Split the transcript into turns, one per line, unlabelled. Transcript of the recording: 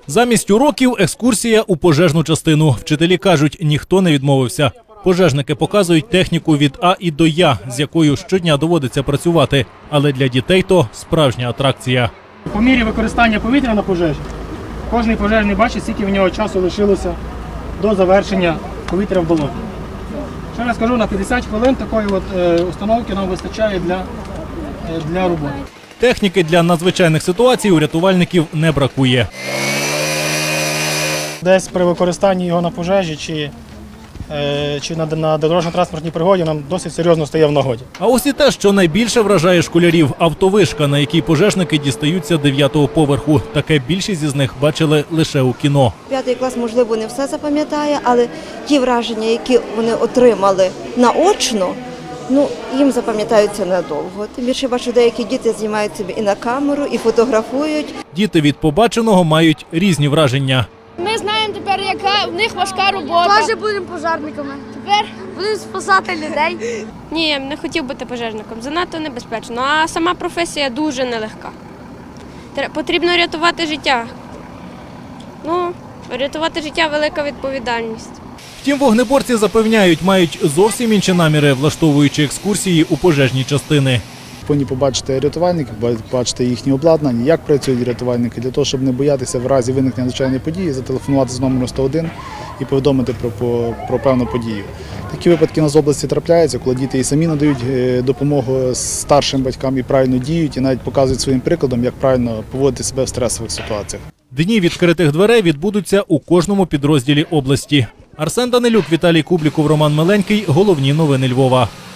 Замість уроків – екскурсія у пожежну частину. Вчителі кажуть, ніхто не відмовився. Пожежники показують техніку від А і до Я, з якою щодня доводиться працювати. Але для дітей то справжня атракція.
По мірі використання повітря на пожежі, кожен пожежний бачить, скільки в нього часу лишилося до завершення повітря в балоні. Ще раз кажу, на 50 хвилин такої установки нам вистачає для роботи.
Техніки для надзвичайних ситуацій у рятувальників не бракує.
Десь при використанні його на пожежі чи на дорожньо-транспортній пригоді нам досить серйозно стає в нагоді.
А ось і те, що найбільше вражає школярів – автовишка, на якій пожежники дістаються 9-го поверху. Таке більшість із них бачили лише у кіно.
5 клас, можливо, не все запам'ятає, але ті враження, які вони отримали наочно, їм запам'ятаються надовго. Тим більше, бачу, деякі діти знімають собі і на камеру, і фотографують.
Діти від побаченого мають різні враження.
Ми знаємо тепер, яка в них важка робота.
Теж будемо пожежниками.
Тепер
Будемо спасати людей.
Ні, не хотів бути пожежником. Занадто небезпечно. А сама професія дуже нелегка. Потрібно рятувати життя. Рятувати життя – велика відповідальність.
Втім, вогнеборці запевняють, мають зовсім інші наміри, влаштовуючи екскурсії у пожежні частини.
Повинні побачити рятувальників, побачити їхні обладнання, як працюють рятувальники, для того, щоб не боятися в разі виникнення надзвичайної події, зателефонувати з номеру 101 і повідомити про певну подію. Такі випадки у нас в області трапляються, коли діти і самі надають допомогу старшим батькам і правильно діють, і навіть показують своїм прикладом, як правильно поводити себе в стресових ситуаціях.
Дні відкритих дверей відбудуться у кожному підрозділі області. Арсен Данилюк, Віталій Кубліков, Роман Миленький. Головні новини Львова.